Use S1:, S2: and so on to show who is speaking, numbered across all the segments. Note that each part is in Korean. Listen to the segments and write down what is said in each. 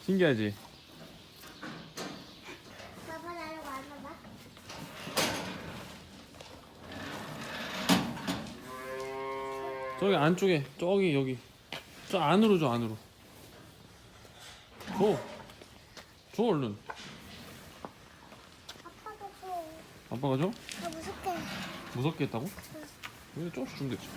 S1: 신기하지?
S2: 봐봐, 나를 와봐봐.
S1: 저기 안쪽에 저기 여기 저 안으로 줘 안으로. 줘 얼른.
S2: 아빠가 줘.
S1: 아빠가 줘?
S2: 아, 무섭게.
S1: 무섭게 했다고? 왜 조금씩 주면 되지.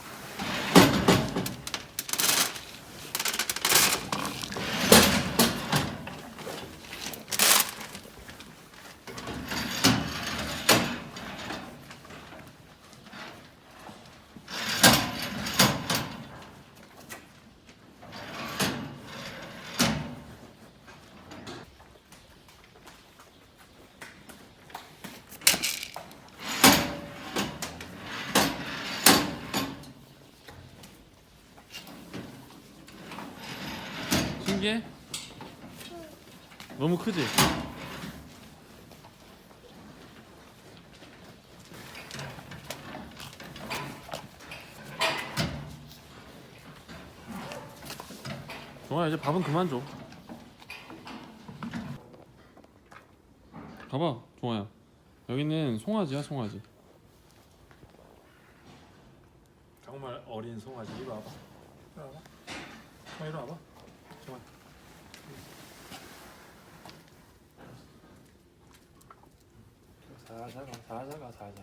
S1: 신기해? 너무 크지? 종아야 이제 밥은 그만 줘. 봐봐 종아야 여기는 송아지야 송아지. 정말 어린 송아지. 이리 와봐. 이리 와봐. 이리 와봐. 종아. 살살 가, 살살 가, 살살.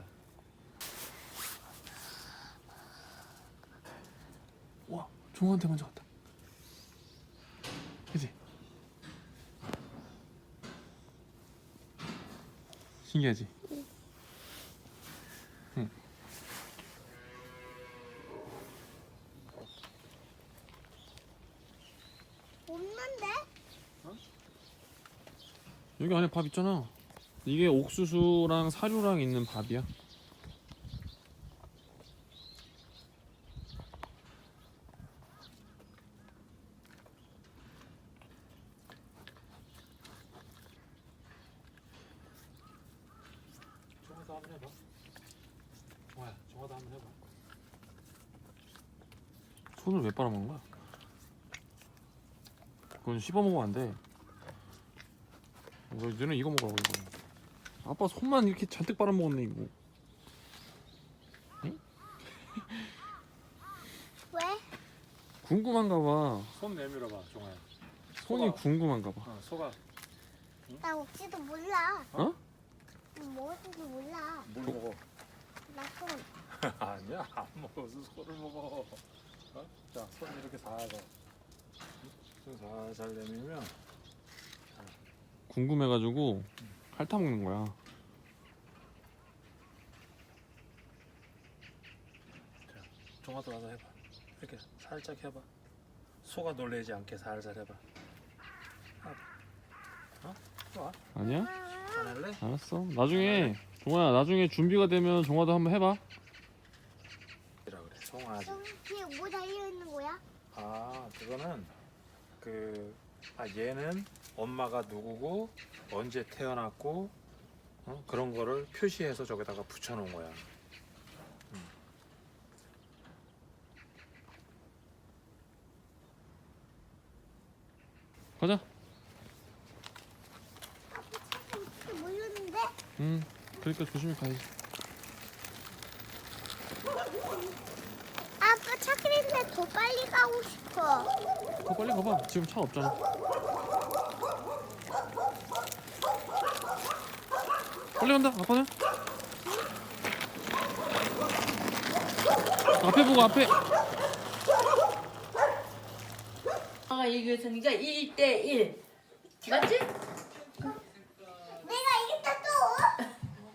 S1: 와, 종아한테 먼저 갔다. 그치? 신기하지? 응.
S2: 없는데?
S1: 여기 안에 밥 있잖아. 이게 옥수수랑 사료랑 있는 밥이야. 종아도 한번 해봐. 종아야, 종아도 한번 해봐. 손을 왜 빨아먹는 거야? 그건 씹어 먹으면 안 돼. 너는 이거 먹으라고 이거. 아빠 손만 이렇게 잔뜩 빨아먹었네 이거. 응?
S2: 왜?
S1: 궁금한가 봐.
S3: 손 내밀어봐, 종아야.
S1: 손이
S3: 소가.
S1: 궁금한가 봐.
S3: 소가
S2: 나 먹지도 몰라.
S1: 어?
S2: 먹을지도 몰라.
S3: 뭘 먹어?
S2: 나 손.
S3: 아니야, 안 먹어. 소를 먹어. 어? 자, 손 이렇게 살살. 손 살살 내밀면
S1: 궁금해가지고 핥아먹는 거야.
S3: 종아도 와서 해봐. 이렇게 살짝 해봐. 소가 놀래지 않게 살살 해봐. 어? 좋아.
S1: 아니야?
S3: 안 할래?
S1: 알았어. 나중에 종아야 나중에 준비가 되면 종아도 한번 해봐.
S3: 이라 그래. 송아지.
S2: 여기 뒤에 뭐 달려 있는 거야?
S3: 아, 그거는 얘는 엄마가 누구고 언제 태어났고 그런 거를 표시해서 저기다가 붙여놓은 거야.
S1: 가자.
S2: 아빠 차가 어떻게 몰렸는데?
S1: 그러니까 조심히 가야지.
S2: 아빠 차 그랬는데 더 빨리 가고 싶어.
S1: 더 빨리 가봐. 지금 차 없잖아. 빨리 간다. 아빠는? 앞에 보고 앞에.
S4: 아가 이겼으니까 1대1 맞지?
S2: 내가 이겼다 또.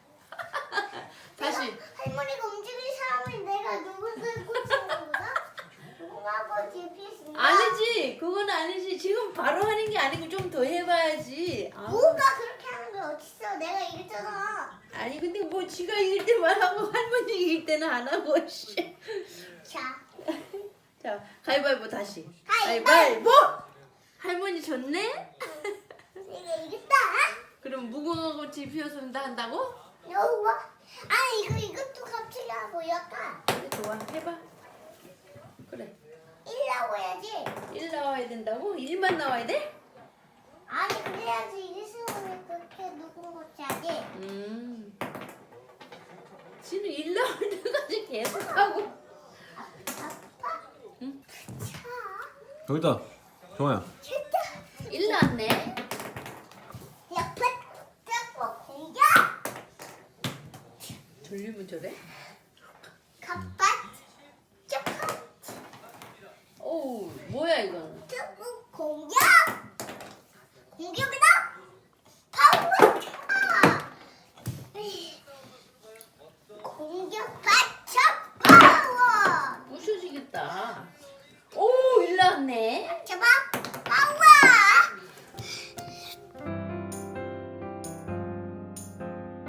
S4: 다시
S2: 할머니가 움직일 사람은 내가 누구를 꽂히는 거다? 누구하고 GPS?
S4: 아니지 그건 아니지 지금 바로 하는 게 아니고 좀 더 해봐야지. 아우.
S2: 뭐가 그렇게 하는 게 어딨어? 내가 이겼잖아.
S4: 아니 근데 뭐 지가 이길 때만 하고 할머니 이길 때는 안 하고 씨.
S2: 자,
S4: 자 가위바위보 다시
S2: 가위바위보!
S4: 할머니 졌네?
S2: 내가 이겼다.
S4: 그럼 무궁화꽃이 피었습니다 한다고?
S2: 여우 봐. 아, 이것도 갑자기 하고 약간
S4: 그래 좋아 해봐. 그래
S2: 1라고 해야지.
S4: 1 나와야 된다고? 1만 나와야 돼?
S2: 아니 그래야지 일승을 그렇게 누군 거지 아니.
S4: 지는 일 나올 때까지 계속하고.
S2: 아빠.
S4: 응?
S2: 차.
S3: 여기다 정아야.
S2: 진짜.
S4: 일 나왔네.
S2: 옆에 자꾸 공격.
S4: 돌리면 저래?
S2: 갑바. 자꾸
S4: 어우 뭐야 이건.
S2: 자꾸 공격. 공격이다. 파워 차. 공격 받쳐 파워.
S4: 부셔지겠다. 오 일 나왔네.
S2: 잡아.